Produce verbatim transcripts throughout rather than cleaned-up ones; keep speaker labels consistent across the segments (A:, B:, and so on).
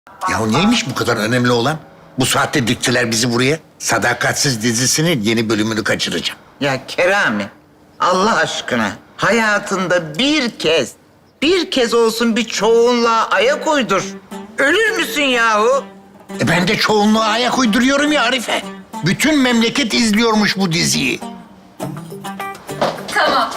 A: Ya neymiş bu kadar önemli olan? Bu saatte diktiler bizi buraya. Sadakatsiz dizisinin yeni bölümünü kaçıracağım.
B: Ya Kerami, Allah aşkına hayatında bir kez, bir kez olsun bir çoğunluğa ayak uydur. Ölür müsün yahu?
A: E ben de çoğunluğa ayak uyduruyorum ya Arife. Bütün memleket izliyormuş bu diziyi.
C: Tamam.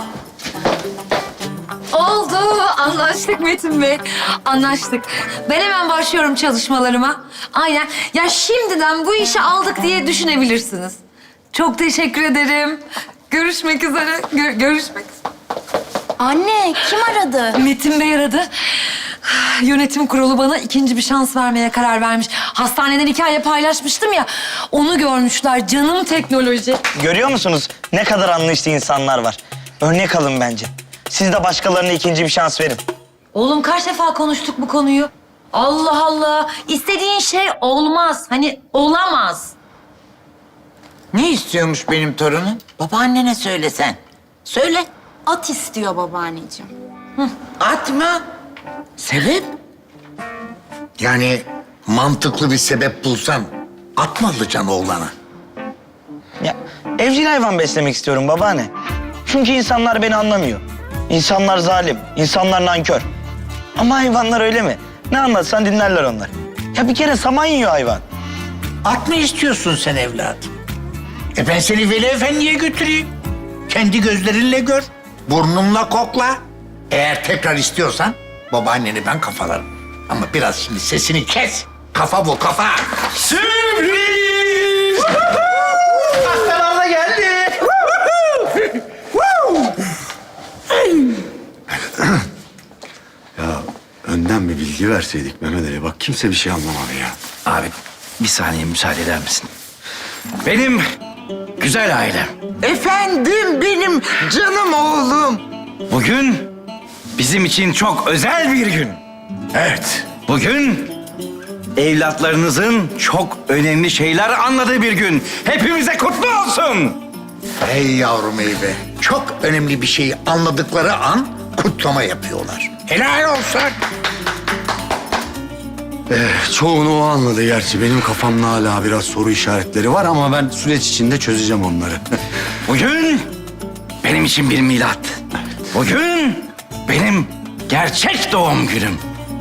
C: Oldu. Anlaştık Metin Bey. Anlaştık. Ben hemen başlıyorum çalışmalarıma. Aynen. Ya şimdiden bu işi aldık diye düşünebilirsiniz. Çok teşekkür ederim. Görüşmek üzere. Gör- görüşmek üzere.
D: Anne, kim aradı?
C: Metin Bey aradı. Yönetim kurulu bana ikinci bir şans vermeye karar vermiş. Hastaneden hikaye paylaşmıştım ya. Onu görmüşler. Canım teknoloji.
E: Görüyor musunuz? Ne kadar anlayışlı insanlar var. Örnek alın bence. Siz de başkalarına ikinci bir şans verin.
C: Oğlum kaç defa konuştuk bu konuyu? Allah Allah. İstediğin şey olmaz. Hani olamaz.
B: Ne istiyormuş benim torunum? Babaannene söylesen. Söyle.
D: At istiyor babaanneciğim.
B: At mı? Sebep?
A: Yani mantıklı bir sebep bulsan at mı alacaksın oğlana?
E: Ya evcil hayvan beslemek istiyorum babaanne. Çünkü insanlar beni anlamıyor. İnsanlar zalim, insanlar nankör. Ama hayvanlar öyle mi? Ne anlatsan dinlerler onlar. Ya bir kere saman yiyor hayvan.
A: At mı istiyorsun sen evladım? E ben seni Veli Efendi'ye götüreyim. Kendi gözlerinle gör. Burnunla kokla. Eğer tekrar istiyorsan babaanneni ben kafalarım. Ama biraz şimdi sesini kes. Kafa bu kafa.
E: Sürpriz! Hastalar da geldi.
F: Ya önden bir bilgi verseydik Mehmet Ali. Bak kimse bir şey anlamadı ya.
G: Abi bir saniye müsaade eder misin? Benim güzel ailem.
B: Efendim benim canım oğlum.
G: Bugün bizim için çok özel bir gün. Evet, bugün evlatlarınızın çok önemli şeyler anladığı bir gün. Hepimize kutlu olsun.
A: Hey yavrum ey be. Çok önemli bir şeyi anladıkları an kutlama yapıyorlar. Helal olsun.
F: Eh, çoğunu o anladı gerçi. Benim kafamda hala biraz soru işaretleri var ama ben süreç içinde çözeceğim onları.
G: Bugün benim için bir milat. Bugün benim gerçek doğum günüm.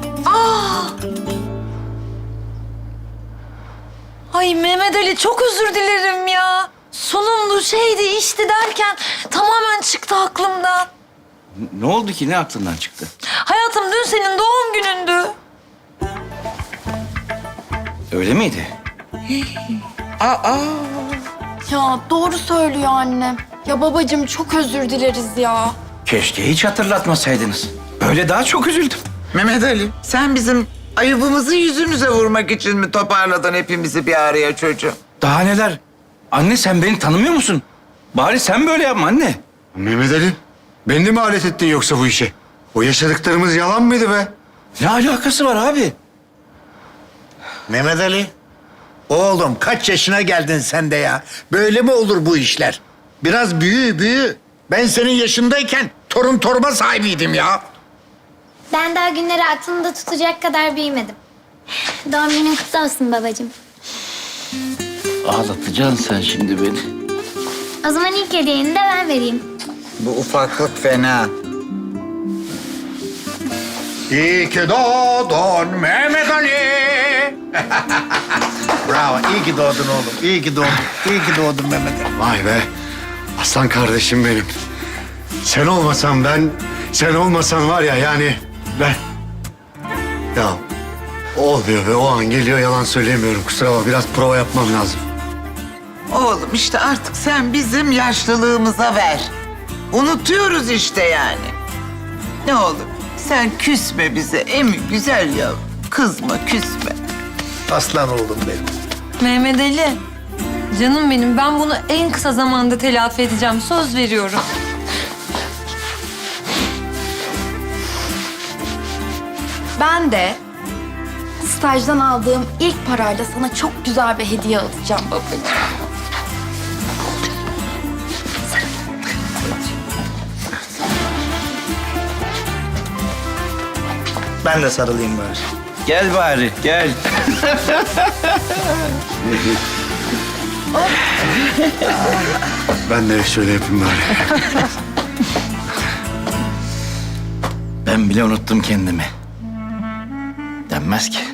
C: Ay Mehmet Ali çok özür dilerim ya. Sunumdu şeydi işti derken tamamen çıktı aklımdan.
G: Ne oldu ki? Ne aklından çıktı?
C: Hayatım dün senin doğum günündü.
G: Öyle miydi?
D: Ya doğru söylüyor annem. Ya babacığım çok özür dileriz ya.
G: Keşke hiç hatırlatmasaydınız. Böyle daha çok üzüldüm.
B: Mehmet Ali, sen bizim ayıbımızı yüzümüze vurmak için mi toparladın hepimizi bir araya çocuğum?
G: Daha neler? Anne sen beni tanımıyor musun? Bari sen böyle yapma anne.
F: Mehmet Ali, beni de mi alet ettin yoksa bu işe? O yaşadıklarımız yalan mıydı be?
G: Ne alakası var abi?
A: Mehmet Ali. Oğlum kaç yaşına geldin sen de ya? Böyle mi olur bu işler? Biraz büyü büyü. Ben senin yaşındayken torun torba sahibiydim ya.
H: Ben daha günleri aklımda tutacak kadar büyümedim. Doğum günün kutlu olsun babacığım.
G: Ağlatacaksın sen şimdi beni.
H: O zaman ilk hediyeni de ben vereyim.
B: Bu ufaklık fena.
A: İyi ki doğdun Mehmet Ali. Bravo, iyi ki doğdun oğlum. İyi ki doğdun. İyi ki doğdun Mehmet Ali.
F: Vay be, aslan kardeşim benim. Sen olmasan ben, sen olmasan var ya yani ben... Ya olmuyor be, o an geliyor yalan söyleyemiyorum. Kusura bakma, biraz prova yapmam lazım.
B: Oğlum işte artık sen bizim yaşlılığımıza ver. Unutuyoruz işte yani. Ne olur sen küsme bize emi güzel yavrum. Kızma küsme.
A: Aslan oğlum benim.
C: Mehmet Ali. Canım benim ben bunu en kısa zamanda telafi edeceğim. Söz veriyorum.
D: Ben de stajdan aldığım ilk parayla sana çok güzel bir hediye alacağım babacığım.
E: Ben de sarılayım bari.
G: Gel bari, gel.
F: Ben de şöyle yapayım bari.
G: Ben bile unuttum kendimi. Denmez ki.